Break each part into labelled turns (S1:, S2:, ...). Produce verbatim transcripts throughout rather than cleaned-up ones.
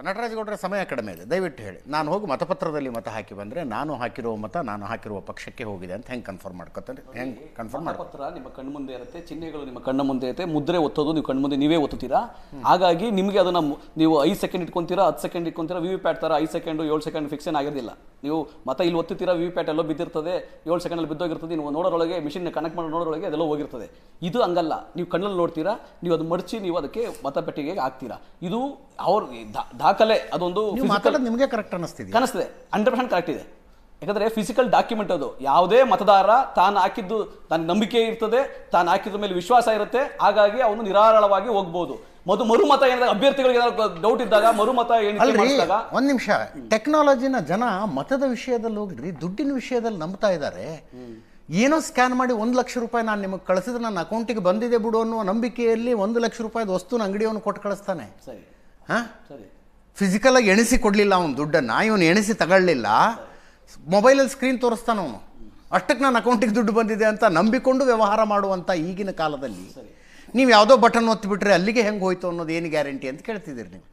S1: ನಟರಾಜಗೌಡರ ಸಮಯ ಕಡಿಮೆ ಇದೆ, ದಯವಿಟ್ಟು ಹೇಳಿ. ನಾನು ಹೋಗಿ ಮತಪತ್ರದಲ್ಲಿ ಮತ ಹಾಕಿ ಬಂದರೆ ನಾನು ಹಾಕಿರುವ ಮತ ನಾನು ಹಾಕಿರುವ ಪಕ್ಷಕ್ಕೆ ಹೋಗಿದೆ ಅಂತ ಹೆಂಗೆ ಕನ್ಫರ್ಮ್ ಮಾಡ್ಕೊತಾರೆ? ಹೆಂಗೆ ಕನ್ಫರ್ಮ್
S2: ಮತಪತ್ರ ನಿಮ್ಮ ಕಣ್ಣು ಮುಂದೆ ಇರುತ್ತೆ, ಚಿಹ್ನೆಗಳು ನಿಮ್ಮ ಕಣ್ಣು ಮುಂದೆ ಇರುತ್ತೆ, ಮುದ್ರೆ ಒತ್ತೋದು ನೀವು ಕಣ್ಣು ಮುಂದೆ ನೀವೇ ಒತ್ತುತ್ತೀರಾ. ಹಾಗಾಗಿ ನಿಮಗೆ ಅದನ್ನು ನೀವು ಐದು ಸೆಕೆಂಡ್ ಇಟ್ಕೊಂತೀರಾ, ಹತ್ತು ಸೆಕೆಂಡ್ ಇಟ್ಕೊಂತೀರಾ. ವಿ ವಿ ಪ್ಯಾಟ್ ಥರ ಐದು ಸೆಕೆಂಡು ಏಳು ಸೆಕೆಂಡ್ ಫಿಕ್ಸ್ ಏನಾಗಿರಲಿಲ್ಲ. ನೀವು ಮತ ಇಲ್ಲಿ ಒತ್ತುತ್ತೀರಾ, ವಿ ವಿ ಪ್ಯಾಟ್ ಎಲ್ಲೋ ಬಿದ್ದಿರ್ತದೆ, ಏಳು ಸೆಕೆಂಡಲ್ಲಿ ಬಿದ್ದೋಗಿರ್ತದೆ, ನೀವು ನೋಡೋರೊಳಗೆ ಮಿಷಿನ್ ಕನೆಕ್ಟ್ ಮಾಡೋ ನೋಡೋರೊಳಗೆ ಅದೆಲ್ಲೋ ಹೋಗಿರ್ತದೆ. ಇದು ಹಂಗಲ್ಲ, ನೀವು ಕಣ್ಣಲ್ಲಿ ನೋಡ್ತೀರಾ, ನೀವು ಅದು ಮಡಚಿ ನೀವು ಅದಕ್ಕೆ ಮತಪೆಟ್ಟಿಗೆ ಹಾಕ್ತೀರಾ. ಇದು ಅವ್ರ ದಾಖಲೆ, ಅದೊಂದು
S1: ನಿಮಗೆ ಕರೆಕ್ಟ್ ಅನಿಸ್ತಿದೆ
S2: ಕಾಣಿಸ್ತದೆ, ಹಂಡ್ರೆಡ್ ಪರ್ಸೆಂಟ್ ಕರೆಕ್ಟ್ ಇದೆ. ಯಾಕಂದ್ರೆ ಫಿಸಿಕಲ್ ಡಾಕ್ಯುಮೆಂಟ್ ಅದು. ಯಾವುದೇ ಮತದಾರ ತಾನು ಹಾಕಿದ್ದು ತನ್ನ ನಂಬಿಕೆ ಇರ್ತದೆ, ತಾನು ಹಾಕಿದ್ರ ಮೇಲೆ ವಿಶ್ವಾಸ ಇರುತ್ತೆ, ಹಾಗಾಗಿ ಅವನು ನಿರಾಳವಾಗಿ ಹೋಗ್ಬೋದು. ಮದು ಮರುಮತ ಏನಾದಾಗ ಅಭ್ಯರ್ಥಿಗಳಿಗೆ ಏನಾದ್ರು ಡೌಟ್ ಇದ್ದಾಗ ಮರುಮತ ಮಾಡಿದಾಗ
S1: ಒಂದ್ ನಿಮಿಷ, ಟೆಕ್ನಾಲಜಿನ ಜನ ಮತದ ವಿಷಯದಲ್ಲಿ ಹೋಗ್ರಿ ದುಡ್ಡಿನ ವಿಷಯದಲ್ಲಿ ನಂಬ್ತಾ ಇದ್ದಾರೆ. ಏನೋ ಸ್ಕ್ಯಾನ್ ಮಾಡಿ ಒಂದು ಲಕ್ಷ ರೂಪಾಯಿ ನಾನು ನಿಮಗೆ ಕಳಿಸಿದ್ರೆ ನನ್ನ ಅಕೌಂಟಿಗೆ ಬಂದಿದೆ ಬಿಡು ಅನ್ನೋ ನಂಬಿಕೆಯಲ್ಲಿ ಒಂದು ಲಕ್ಷ ರೂಪಾಯಿದ ವಸ್ತುನ ಅಂಗಡಿಯವನು ಕೊಟ್ಟು ಕಳಿಸ್ತಾನೆ.
S2: ಸರಿ
S1: ಹಾಂ,
S2: ಸರಿ.
S1: ಫಿಸಿಕಲ್ ಆಗಿ ಎಣಿಸಿ ಕೊಡಲಿಲ್ಲ ಅವನು ದುಡ್ಡನ್ನು, ಇವನು ಎಣಿಸಿ ತಗೊಳ್ಳಿಲ್ಲ, ಮೊಬೈಲಲ್ಲಿ ಸ್ಕ್ರೀನ್ ತೋರಿಸ್ತಾನ ಅವನು. ಅಷ್ಟಕ್ಕೆ ನನ್ನ ಅಕೌಂಟಿಗೆ ದುಡ್ಡು ಬಂದಿದೆ ಅಂತ ನಂಬಿಕೊಂಡು ವ್ಯವಹಾರ ಮಾಡುವಂಥ ಈಗಿನ ಕಾಲದಲ್ಲಿ ನೀವು ಯಾವುದೋ ಬಟನ್ ಒತ್ತಿಬಿಟ್ರೆ ಅಲ್ಲಿಗೆ ಹೆಂಗೆ ಹೋಯ್ತು ಅನ್ನೋದು ಏನು ಗ್ಯಾರಂಟಿ ಅಂತ ಕೇಳ್ತಿದ್ದೀರಿ ನೀವು.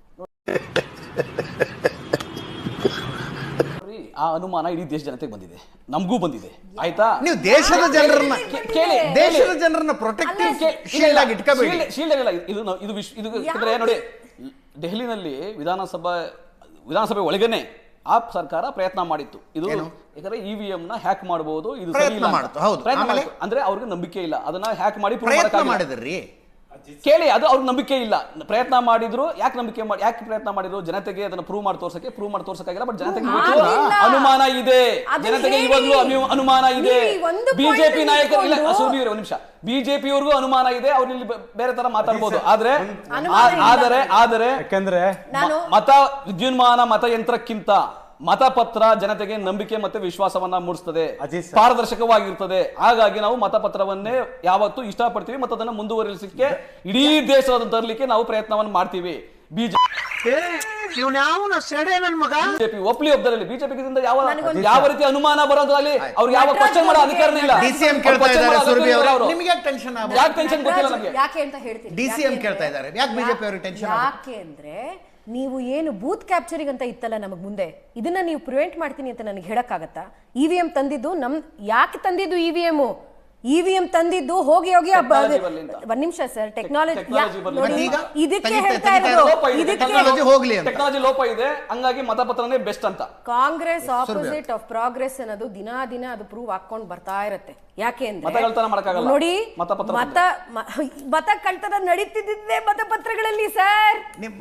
S2: ಆ ಅನುಮಾನ ಇಡೀ ದೇಶ ಜನತೆಗೆ ಬಂದಿದೆ, ನಮಗೂ ಬಂದಿದೆ. ಆಯ್ತಾ,
S1: ನೀವು ದೇಶದ ಜನರನ್ನ ಕೇಳಿ, ದೇಶದ ಜನರನ್ನ ಪ್ರೊಟೆಕ್ಟಿವ್ ಶೀಲ್ಡ್ ಆಗಿ ಇಟ್ಕೋಬೇಡಿ.
S2: ಶೀಲ್ಡ್ ಆಗಿಲ್ಲ ಇದು ಇದು ಇದು ಯಾಕಂದ್ರೆ ನೋಡಿ, ದೆಹಲಿನಲ್ಲಿ ವಿಧಾನಸಭಾ ವಿಧಾನಸಭೆ ಒಳಗೇನೆ ಆ ಸರ್ಕಾರ ಪ್ರಯತ್ನ ಮಾಡಿತ್ತು. ಇದು ಯಾಕಂದ್ರೆ ಇ ವಿ ಎಂ ನ ಹ್ಯಾಕ್ ಮಾಡಬಹುದು, ಇದು ಸರಿ ಇಲ್ಲ ಅಂದ್ರೆ ಅವ್ರಿಗೆ ನಂಬಿಕೆ ಇಲ್ಲ. ಅದನ್ನ ಹ್ಯಾಕ್ ಮಾಡಿ
S1: ಪ್ರಯತ್ನ ಮಾಡಿದ್ರಿ
S2: ಕೇಳಿ, ಅದು ಅವ್ರಿಗೆ ನಂಬಿಕೆ ಇಲ್ಲ. ಪ್ರಯತ್ನ ಮಾಡಿದ್ರು, ಯಾಕೆ ನಂಬಿಕೆ ಮಾಡಿ ಯಾಕೆ ಪ್ರಯತ್ನ ಮಾಡಿದ್ರು? ಜನತೆಗೆ ಅದನ್ನ ಪ್ರೂವ್ ಮಾಡಿ ತೋರ್ಸಕ್ಕೆ ಪ್ರೂವ್ ಮಾಡಿ ತೋರ್ಸಕ್ಕಾಗಿಲ್ಲ. ಬಟ್ ಜನತೆಗೆ ಅನುಮಾನ ಇದೆ, ಜನತೆಗೆ ಇವಾಗ್ಲೂ ಅನುಮಾನ ಇದೆ. ಬಿಜೆಪಿ ನಾಯಕರು ಇಲ್ಲ, ಸುರ್ಬೀರ್ ಒಂದ್ ನಿಮಿಷ, ಬಿಜೆಪಿಯವ್ರಿಗೂ ಅನುಮಾನ ಇದೆ. ಅವ್ರು ಇಲ್ಲಿ ಬೇರೆ ತರ ಮಾತಾಡ್ಬೋದು. ಆದ್ರೆ ಆದರೆ ಆದರೆ ಯಾಕಂದ್ರೆ ಮತ ವಿದ್ಯುನ್ಮಾನ ಮತಯಂತ್ರಕ್ಕಿಂತ ಮತಪತ್ರ ಜನತೆಗೆ ನಂಬಿಕೆ ಮತ್ತೆ ವಿಶ್ವಾಸವನ್ನ ಮೂಡಿಸ್ತದೆ, ಪಾರದರ್ಶಕವಾಗಿರ್ತದೆ. ಹಾಗಾಗಿ ನಾವು ಮತಪತ್ರವನ್ನೇ ಯಾವತ್ತೂ ಇಷ್ಟಪಡ್ತೀವಿ ಮತ್ತು ಅದನ್ನು ಮುಂದುವರಿಸಲಿಕ್ಕೆ ಇಡೀ ದೇಶದ ತರಲಿಕ್ಕೆ ನಾವು ಪ್ರಯತ್ನವನ್ನು ಮಾಡ್ತೀವಿ. ಬಿಜೆಪಿ ಒಪ್ಲಿ ಒಬ್ಬರಲ್ಲಿ ಬಿಜೆಪಿ ಯಾವ ಯಾವ ರೀತಿ ಅನುಮಾನ ಬರೋದ್ರಲ್ಲಿ ಅವ್ರಿಗೆ ಯಾವ ಕ್ವಶನ್ ಮಾಡೋ ಅಧಿಕಾರನೇ ಇಲ್ಲ.
S1: ಡಿಸಿಎಂ ಕೇಳ್ತಾ ಇದ್ದಾರೆ, ನಿಮಗೆ ಯಾಕೆ ಟೆನ್ಷನ್ ಆಗುತ್ತೆ?
S2: ಯಾಕೆ ಟೆನ್ಷನ್ ಗೊತ್ತಿಲ್ಲ ನಮಗೆ,
S3: ಯಾಕೆ ಅಂತ ಹೇಳ್ತೀನಿ.
S1: ಡಿಸಿಎಂ ಕೇಳ್ತಾ ಇದ್ದಾರೆ, ಯಾಕೆ ಬಿಜೆಪಿ ಅವರಿಗೆ ಟೆನ್ಷನ್?
S3: ಯಾಕೆ ಅಂದ್ರೆ ನೀವು ಏನು ಬೂತ್ ಕ್ಯಾಪ್ಚರಿಂಗ್ ಅಂತ ಇತ್ತಲ್ಲ ನಮಗ್ ಮುಂದೆ, ಇದನ್ನ ನೀವು ಪ್ರಿವೆಂಟ್ ಮಾಡ್ತೀನಿ ಅಂತ ನನಗೆ ಹೇಳಕ್ಕಾಗತ್ತಾ? ಇ ವಿ ಎಂ ತಂದಿದ್ದು ನಮ್ ಯಾಕೆ ತಂದಿದ್ದು? E V M E V M ತಂದಿದ್ದು ಹೋಗಿ ಹೋಗಿ ಒಂದ್ ನಿಮಿಷ ಸರ್, ಟೆಕ್ನಾಲಜಿ ಇದಕ್ಕೆ ಹೇಳ್ತಾ ಇರೋದು,
S2: ಟೆಕ್ನಾಲಜಿ ಲೋಪ ಇದೆ, ಹಂಗಾಗಿ ಮತಪತ್ರನೇ ಬೆಸ್ಟ್ ಅಂತ.
S3: ಕಾಂಗ್ರೆಸ್ ಆಪೋಸಿಟ್ ಆಫ್ ಪ್ರೋಗ್ರೆಸ್ ಅನ್ನೋದು ದಿನಾ ದಿನ ಅದು ಪ್ರೂವ್ ಹಾಕೊಂಡ್ ಬರ್ತಾ ಇರುತ್ತೆ. ಯಾಕೆ ಅಂದ್ರೆ ನೋಡಿ, ಮತ ಮತ ಕಳ್ತನ ನಡೀತಿದ್ದೆ ಮತಪತ್ರಗಳಲ್ಲಿ ಸರ್.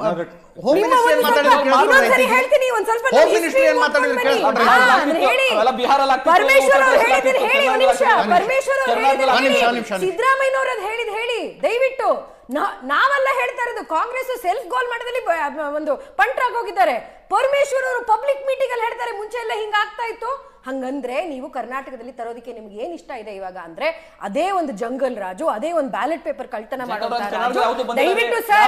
S3: ಹೇಳ್ತೀನಿ ಒಂದ್ ಸ್ವಲ್ಪ ಪರಮೇಶ್ವರ್ ಅವ್ರು ಹೇಳಿದ್ರೆ ಹೇಳಿ, ಒಂದ್ ನಿಮಿಷ. ಪರಮೇಶ್ವರ್ ಅವ್ರು ಸಿದ್ದರಾಮಯ್ಯನವ್ರು ಹೇಳಿದ್ ಹೇಳಿ ದಯವಿಟ್ಟು. ನಾವೆಲ್ಲ ಹೇಳ್ತಾ ಇರೋದು ಕಾಂಗ್ರೆಸ್ ಸೆಲ್ಫ್ ಗೋಲ್ ಮಾಡೋದ್ರಲ್ಲಿ ಒಂದು ಪಂಟ್ರಾಗ್ ಹೋಗಿದ್ದಾರೆ. ಪರಮೇಶ್ವರ್ ಅವರು ಪಬ್ಲಿಕ್ ಮೀಟಿಂಗ್ ಅಲ್ಲಿ ಹೇಳ್ತಾರೆ ಮುಂಚೆ ಎಲ್ಲ ಹಿಂಗ ಆಗ್ತಾ ಇತ್ತು. ಹಂಗಂದ್ರೆ ನೀವು ಕರ್ನಾಟಕದಲ್ಲಿ ತರೋದಕ್ಕೆ ನಿಮ್ಗೆ ಏನ್ ಇಷ್ಟ ಇದೆ ಇವಾಗ ಅಂದ್ರೆ ಅದೇ ಒಂದು ಜಂಗಲ್ ರಾಜು, ಅದೇ ಒಂದು ಬ್ಯಾಲೆಟ್ ಪೇಪರ್ ಕಳ್ತನ ಮಾಡೋದು. ದಯವಿಟ್ಟು ಸರ್,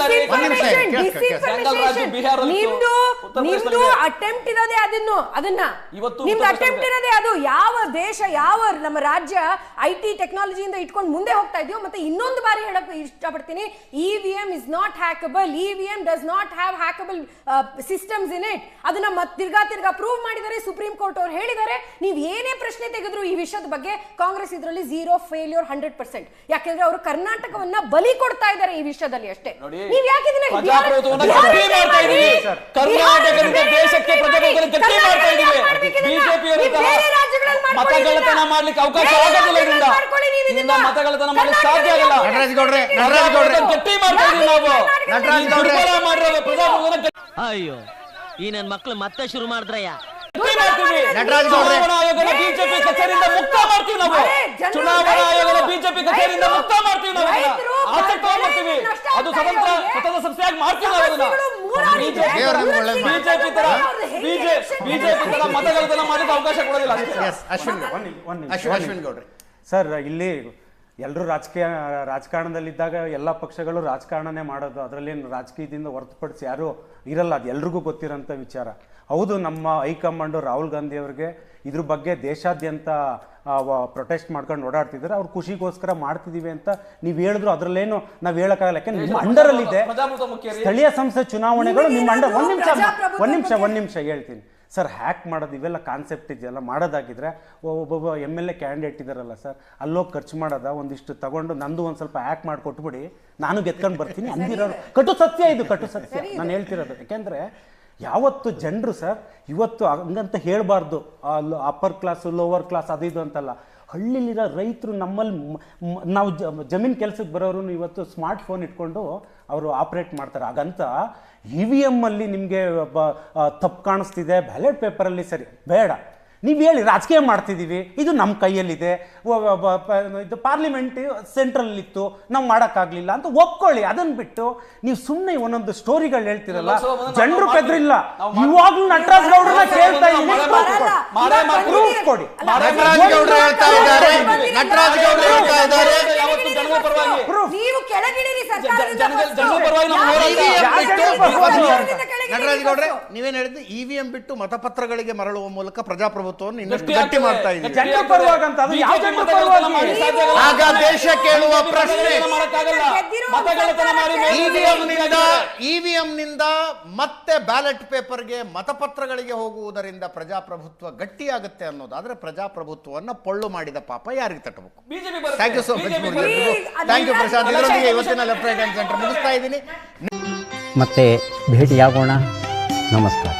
S3: ನಿಮ್ದು ನಿಮ್ದು ಅಟೆಂಪ್ಟ್ ಇರೋದೇ ಅದನ್ನು ಅದನ್ನ ನಿಮ್ದು ಅಟೆಂಪ್ಟ್ ಇರೋದೇ ಅದು. ಯಾವ ದೇಶ, ಯಾವ ನಮ್ಮ ರಾಜ್ಯ ಐ ಟಿ ಟೆಕ್ನಾಲಜಿಯಿಂದ ಇಟ್ಕೊಂಡು ಮುಂದೆ ಹೋಗ್ತಾ ಇದೆಯೋ. ಮತ್ತೆ ಇನ್ನೊಂದು ಬಾರಿ ಹೇಳಕ್ ಇಷ್ಟಪಡ್ತೀನಿ, E V M is not hackable. E V M does not have hackable systems in it. ಅದನ್ನ ಮತ್ತೆ ತಿರ್ಗಾ ತಿರ್ಗಾ ಪ್ರೂವ್ ಮಾಡಿದ್ದಾರೆ ಸುಪ್ರೀಂ ಕೋರ್ಟ್ ಅವ್ರು ಹೇಳಿದ್ದಾರೆ. ನೀವು ಏನೇ ಪ್ರಶ್ನೆ ತೆಗೆದ್ರು ಈ ವಿಷಯದ ಬಗ್ಗೆ ಕಾಂಗ್ರೆಸ್ ಇದರಲ್ಲಿ ಝೀರೋ ಫೇಲ್ಯೂರ್, ಹಂಡ್ರೆಡ್ ಪರ್ಸೆಂಟ್. ಯಾಕೆಂದ್ರೆ ಅವರು ಕರ್ನಾಟಕವನ್ನ ಬಲಿ ಕೊಡ್ತಾ ಇದ್ದಾರೆ ಈ ವಿಷಯದಲ್ಲಿ ಅಷ್ಟೇ. ನೀವು ಯಾಕೆ
S2: ಮತಗಳ್ಳತನ ಮಾಡ್ಲಿಕ್ಕೆ ಅವಕಾಶ ಆಗೋದಿಲ್ಲ, ಇದರಿಂದ ಮತಗಳ್ಳತನ ಮಾಡ್ಲಿಕ್ಕೆ ಸಾಧ್ಯ ಆಗಲ್ಲ. ಗಟ್ಟಿ ಮಾಡ್ತಾ ಇದೀವಿ ನಾವು.
S4: ಅಯ್ಯೋ, ಈ ನನ್ ಮಕ್ಳು ಮತ್ತೆ ಶುರು ಮಾಡಿದ್ರಯ್ಯ.
S2: ಚುನಾವಣಾ ಆಯೋಗದ ಬಿಜೆಪಿ ಕಚೇರಿಯಿಂದ ಮುಕ್ತ ಮಾಡ್ತೀವಿ ನಾವು. ಚುನಾವಣಾ ಆಯೋಗದ ಬಿಜೆಪಿ ಕಚೇರಿಯಿಂದ ಮುಕ್ತ ಮಾಡ್ತೀವಿ ನಾವು. ಆಸಕ್ತಿ ಮಾಡ್ತೀವಿ, ಅದು ಸ್ವತಂತ್ರ ಸ್ವತಂತ್ರ ಸಂಸ್ಥೆಯಾಗಿ ಮಾಡ್ತೀವಿ ನಾವು ಅದನ್ನ. ಬಿಜೆಪಿ ತರ ಬಿಜೆಪಿ ತರ ಮತಗಳ್ಳತನ ಮಾಡಲಿಕ್ಕೆ ಅವಕಾಶ ಕೊಡೋದಿಲ್ಲ.
S1: ಅಶ್ವಿನ್ ಗೌಡ್ರೆ
S5: ಸರ್, ಇಲ್ಲಿ ಎಲ್ಲರೂ ರಾಜಕೀಯ ರಾಜಕಾರಣದಲ್ಲಿದ್ದಾಗ ಎಲ್ಲ ಪಕ್ಷಗಳು ರಾಜಕಾರಣನೇ ಮಾಡೋದು, ಅದರಲ್ಲೇನು ರಾಜಕೀಯದಿಂದ ಹೊರತುಪಡಿಸಿ ಯಾರೂ ಇರಲ್ಲ, ಅದು ಎಲ್ರಿಗೂ ಗೊತ್ತಿರೋಂಥ ವಿಚಾರ. ಹೌದು, ನಮ್ಮ ಹೈಕಮಾಂಡು ರಾಹುಲ್ ಗಾಂಧಿ ಅವರಿಗೆ ಇದ್ರ ಬಗ್ಗೆ ದೇಶಾದ್ಯಂತ ಪ್ರೊಟೆಸ್ಟ್ ಮಾಡ್ಕೊಂಡು ಓಡಾಡ್ತಿದ್ದಾರೆ, ಅವ್ರು ಖುಷಿಗೋಸ್ಕರ ಮಾಡ್ತಿದೀವಿ ಅಂತ ನೀವು ಹೇಳಿದ್ರು ಅದರಲ್ಲೇನು ನಾವು ಹೇಳಕ್ಕಾಗಲ್ಲ. ಯಾಕಂದ್ರೆ ನಿಮ್ಮ ಅಂಡರಲ್ಲಿದೆ
S2: ಪ್ರಜಾಪ್ರಭುತ್ವ ಮುಖ್ಯ ರೀ.
S5: ಸ್ಥಳೀಯ ಸಂಸ್ಥೆ ಚುನಾವಣೆಗಳು ನಿಮ್ಮ ಅಂಡರ್. ಒಂದ್ ನಿಮಿಷ
S3: ಪ್ರಜಾಪ್ರಭುತ್ವ
S5: ಒಂದ್ ನಿಮಿಷ
S3: ಬಗ್ಗೆ.
S5: ಒಂದ್ ನಿಮಿಷ ಹೇಳ್ತೀನಿ ಸರ್. ಹ್ಯಾಕ್ ಮಾಡೋದು ಇವೆಲ್ಲ ಕಾನ್ಸೆಪ್ಟ್ ಇದೆಯಲ್ಲ, ಮಾಡೋದಾಗಿದ್ರೆ ಒಬ್ಬೊಬ್ಬ ಎಮ್ ಎಲ್ ಎ ಕ್ಯಾಂಡಿಡೇಟ್ ಇದಾರಲ್ಲ ಸರ್, ಅಲ್ಲೋಗಿ ಖರ್ಚು ಮಾಡೋದ ಒಂದಿಷ್ಟು ತಗೊಂಡು ನಂದು ಒಂದು ಸ್ವಲ್ಪ ಹ್ಯಾಕ್ ಮಾಡಿ ಕೊಟ್ಬಿಡಿ, ನಾನು ಗೆದ್ಕೊಂಡು ಬರ್ತೀನಿ ಅಂದಿರೋರು. ಕಟು ಸತ್ಯ ಇದು, ಕಟು ಸತ್ಯ ನಾನು ಹೇಳ್ತಿರೋದು. ಯಾಕೆಂದರೆ ಯಾವತ್ತು ಜನರು ಸರ್ ಇವತ್ತು ಹಂಗಂತ ಹೇಳಬಾರ್ದು, ಅಪ್ಪರ್ ಕ್ಲಾಸು ಲೋವರ್ ಕ್ಲಾಸ್ ಅದು ಇದು ಅಂತಲ್ಲ. ಹಳ್ಳಿಲಿರೋ ರೈತರು ನಮ್ಮಲ್ಲಿ ನಾವು ಜಮೀನು ಕೆಲಸಕ್ಕೆ ಬರೋರು ಇವತ್ತು ಸ್ಮಾರ್ಟ್ ಫೋನ್ ಇಟ್ಕೊಂಡು ಅವರು ಆಪ್ರೇಟ್ ಮಾಡ್ತಾರೆ. ಹಾಗಂತ ಇ ವಿ ಎಮ್ಮಲ್ಲಿ ನಿಮಗೆ ತಪ್ಪು ಕಾಣಿಸ್ತಿದೆ, ಬ್ಯಾಲೆಟ್ ಪೇಪರಲ್ಲಿ ಸರಿ ಬೇಡ, ನೀವು ಹೇಳಿ ರಾಜಕೀಯ ಮಾಡ್ತಿದ್ದೀವಿ, ಇದು ನಮ್ಮ ಕೈಯಲ್ಲಿದೆ, ಇದು ಪಾರ್ಲಿಮೆಂಟ್ ಸೆಂಟ್ರಲ್ಲಿತ್ತು ನಾವು ಮಾಡೋಕ್ಕಾಗಲಿಲ್ಲ ಅಂತ ಒಪ್ಕೊಳ್ಳಿ. ಅದನ್ನು ಬಿಟ್ಟು ನೀವು ಸುಮ್ಮನೆ ಒಂದೊಂದು ಸ್ಟೋರಿಗಳು ಹೇಳ್ತಿರಲ್ಲ, ಜನರು ಬೆದ್ರಿಲ್ಲ. ಇವಾಗಲೂ ನಟರಾಜ್ ಗೌಡ್ರನ್ನ ಕೇಳ್ತಾ ಇದ್ದೀನಿ, ಪ್ರೂಫ್ ಕೊಡಿ.
S1: ನಟರಾಜ್ ಗೌಡ್ರು ಹೇಳ್ತಾ ಇದ್ದಾರೆ, ನಟರಾಜ್ ಗೌಡ್ರು ಹೇಳ್ತಾ ಇದ್ದಾರೆ,
S3: ನೀವು ಕೆಳಗಿಳಿರಿ ಸರ್ಕಾರದಿಂದ
S2: ಜನಗಳ- ಜನಗಳ
S3: first.
S2: ಪರವಾಗಿ ನಾವು
S3: ಯಾವ
S2: ಹೋರಾಟ-
S3: ಯಾವ
S5: ಯಾವ
S3: ಸರ್ಕಾರದಿಂದ ಕೆಳಗಿಳಿರಿ
S1: ನಟರಾಜ್ ಗೌಡ್ರೆ
S3: first.
S1: ನೀವೇನ್ ಹೇಳಿದ್ರಿ, ಇ ವಿ ಎಂ ಬಿಟ್ಟು ಮತಪತ್ರಗಳಿಗೆ ಮರಳುವ ಮೂಲಕ ಪ್ರಜಾಪ್ರಭುತ್ವವನ್ನು ಇನ್ನಷ್ಟು
S2: ಗಟ್ಟಿ
S1: ಗಟ್ಟಿ ಮಾಡ್ತಾ
S2: ಆಗ್ತದೆ.
S1: ಇದ್ದೀವಿ.
S5: ಜನರ ಪರವಾಗಿ ಅಂತ ಅದು ಯಾವ ಜನರ ಪರವಾಗಿ?
S1: ಆಗ ದೇಶ ಕೇಳುವ ಪ್ರಶ್ನೆ,
S2: ಮತಗಳತನ ಮಾಡಿ
S1: ಇವಿಎಂ ನಿಂದ ಇವಿಎಂ ನಿಂದ ಮತ್ತೆ ಬ್ಯಾಲೆಟ್ ಪೇಪರ್ಗೆ ಮತಪತ್ರಗಳಿಗೆ ಹೋಗುವುದರಿಂದ ಪ್ರಜಾಪ್ರಭುತ್ವ ಗಟ್ಟಿಯಾಗುತ್ತೆ ಅನ್ನೋದಾದ್ರೆ ಪ್ರಜಾಪ್ರಭುತ್ವವನ್ನ ಪೊಳ್ಳು ಮಾಡಿದ ಪಾಪ ಯಾರಿಗೆ ತಟ್ಟಬೇಕು?
S2: ಬಿಜೆಪಿ ಬರುತ್ತೆ.
S1: Thank you so much.
S2: BJP
S1: thank you Prashant. ಇದರೊಂದಿಗೆ ಇವತ್ತಿನ ಲೆಫ್ಟ್ ರೈಟ್ ಹ್ಯಾಂಡ್ ಸೆಂಟರ್ ಮುಗಿಸ್ತಾ ಇದ್ದೀನಿ.
S6: ಮತ್ತೆ ಭೇಟಿಯಾಗೋಣ. ನಮಸ್ಕಾರ.